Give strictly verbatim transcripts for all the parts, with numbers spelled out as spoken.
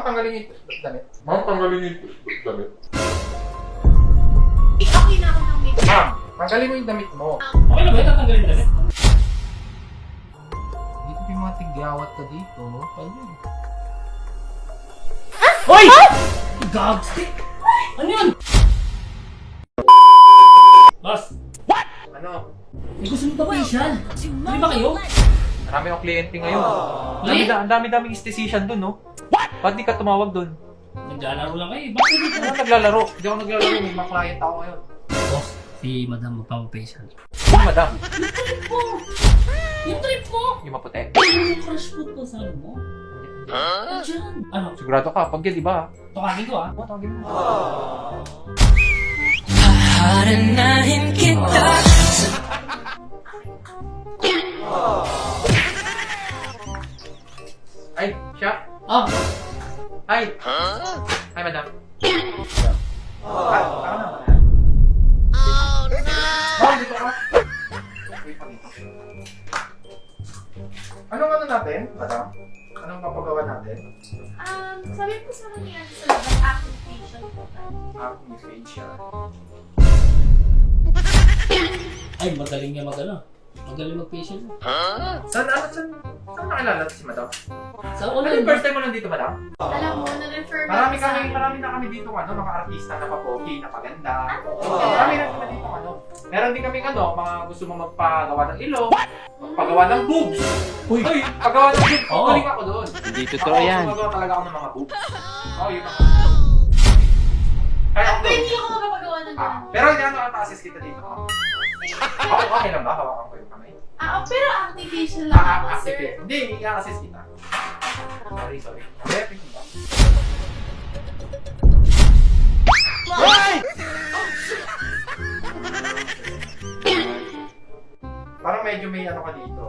tanggalin yung damit. Ma'am, tanggalin yung damit. Okay na ako ng makeup. Ma'am, tanggalin mo yung damit mo. Okay na ba ito? Tanggalin na rin. Dito yung mga tigyawat ka dito. Ayun. Hoy! Gags! Ano yun? Boss! Ano? May gusto mo ba facial? Hindi ba kayo? Marami akong kliyente ngayon. Ang Eh? dami- Ang dami-daming esthetician dun, no? Ba't di ka tumawag dun? Naglalaro lang kayo. Bakit hindi Ano ka? naglalaro? Hindi ako naglalaro. May mga client ako ngayon. Boss, si Madam magpapafacial. Sino, madam? Yung trip mo! Yung trip mo! Yung maputi. Yung crush food po sa ano mo? Diyan. Ano? Sigurado ka, pag yan, di ba? Tukangin ko ah. Oo, tawagin mo. Haranahin kita. Ay, siya? Ah! Hi! Hi, madam. Ah, tama na. Oh no! Ma'am, dito ka. Wait pa dito. Anong ano natin, madam? Anong papagawa natin? Um, sabi ko sa kanya sa labas, active facial po tayo. Acne facial. Ay, magaling niya mag ano. Magaling mag-facial. Saan, ano, saan, saan nakilala si madam? Sa Ano online yung first time mo nandito, madam? Alam mo, na-refer mo Marami ako kami, sa- marami na kami dito, ano, mga artista na papogi, na paganda. Ah, Marami na kami dito, ano. Meron din kami, ano, mga gusto mo magpagawa ng ilong, magpagawa ng boobs. Uy! Uy, paggawa ng boobs, Oo. galing ako doon. Hindi Ako, totoo yan. gumagawa talaga ako ng mga boobs. Oo, yun ako. Kaya ako Pero doon. hindi ako makapagawa ng Ah, ganun. pero hindi ano, assist kita dito. Okay, okay lang ba? Hawakan ko yung kamay. Ah, oh, pero active facial lang Ah, ako, ah, sir. sige. Hindi, i-assist kita. Sorry, sorry. Hindi, pick mo ba? Parang medyo may ano ka dito.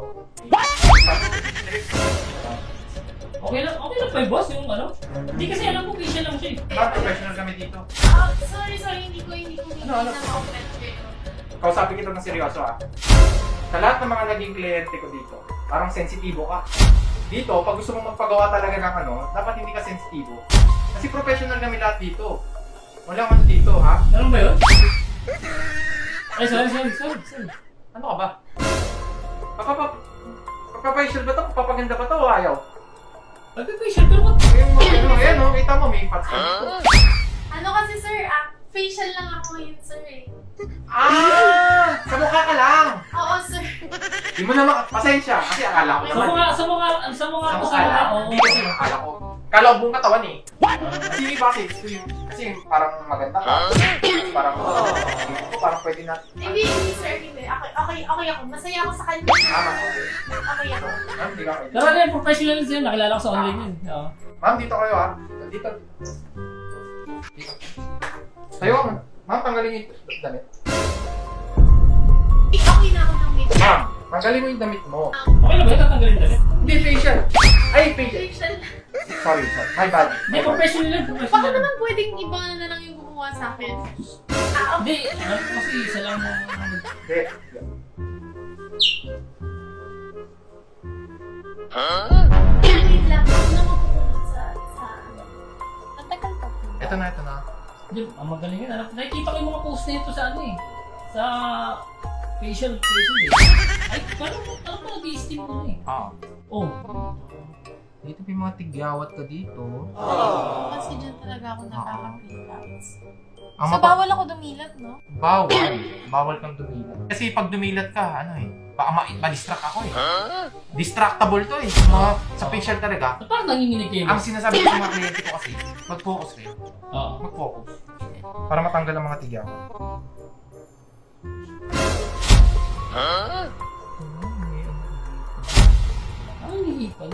Okay lang, okay lang pa yung boss yung ano. Hindi kasi alam ko facial lang siya eh. Parang professional kami dito. Ah, sorry, sorry, hindi ko, hindi ko, hindi Ano, ano? na ma-offend kayo. Kausapin kita ng seryoso ah. Sa lahat ng mga naging kliyente ko dito, parang sensitibo ka. Dito, pag gusto mong magpagawa talaga ng ano, dapat hindi ka sensitibo. Kasi professional kami lahat dito. Walang ano dito ha. Ganun ba yun? Ay, sorry, sorry, sorry, sorry. Ano ka ba? Papapa... Papapasyal ba ito? Papaganda ba ito o ayaw? Nagpa-facial pero ba't? Yung ano, ayan o, kita mo may fats ka dito. Ano kasi, sir, ah, facial lang ako ngayon, sir, eh. Ah! Sa mukha ka lang! Oo, sir. Di mo na maka... Pasensya, kasi akala ko Sa naman. mga, sa mga, sa mga, Sa sa mukha mga, lang. oo. Hindi kasi akala ko. Kala ko buong katawan eh. Kasi iba kasi, kasi parang maganda ka. Parang, ko parang pwede na. Hindi, hindi, sir, hindi. Okay, okay, okay ako. Masaya ako sa kanya. Tama, okay. Okay ako. Ma'am, hindi ka kayo. Pero ano yan, professional siya. Nakilala ko sa online yun. Oo. Ma'am, dito kayo ha. Dito. Dito. Tayo ka, ma'am. Ma'am, tanggalin yung damit. Eh, okay na ako ng makeup. Ma'am, tanggalin mo yung damit mo. Okay na ba ito? Tanggalin na rin. Hindi, facial. Ay, facial. Facial. Sorry, sorry. My bad. Hindi, professional yan, Baka professional. naman pwedeng iba na lang yung kumuha sa akin. Ah, Hindi, alam ko kasi isa lang yung... Hindi. okay. Wait lang. Ako na mapupunod sa, sa, ano. Natagal pa po. Ito na, ito na. Hindi, ang magaling yun. Alam- Nakikita ko yung mga post nito sa ano eh. Sa facial, facial eh. Ay, parang, parang mga di-steam ko na eh. Ah. Oh. Dito may mga tigyawat ka dito. Kasi dyan talaga ako nakaka-relapse. Ang So, mapa- bawal ako dumilat, no? Bawal. Bawal kang dumilat. Kasi pag dumilat ka, ano eh, baka ma- ma-distract ako eh. Distractable to eh. Mga, sa facial talaga. Ba't parang nanginginig kayo? Ang sinasabi ko sa mga kliyente ko kasi, mag-focus kayo. Oo. Mag-focus. Para matanggal ang mga tigyawat. Ang hihipal.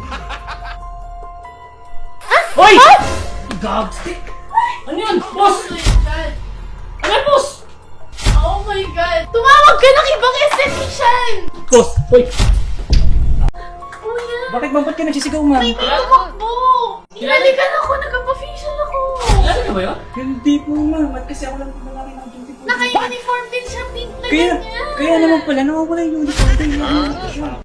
Hoy! Gags! Ano yun? Boss! Oh my God! Ano yan, boss? Oh my God! Tumawag ka ng ibang esthetician! Boss! Hoy! Kuya! Bakit ba? Ba't ka nagsisigaw, ma'am? May tumakbo! Inalikan ako! Nagpa-facial ako! Alam niyo ba yun? Hindi po, ma'am. At kasi ako lang po lang ng duty po. Naka-uniform din siya, pink na Kaya, ganyan! kaya naman pala, nawawala yung uniform ko yung uniform.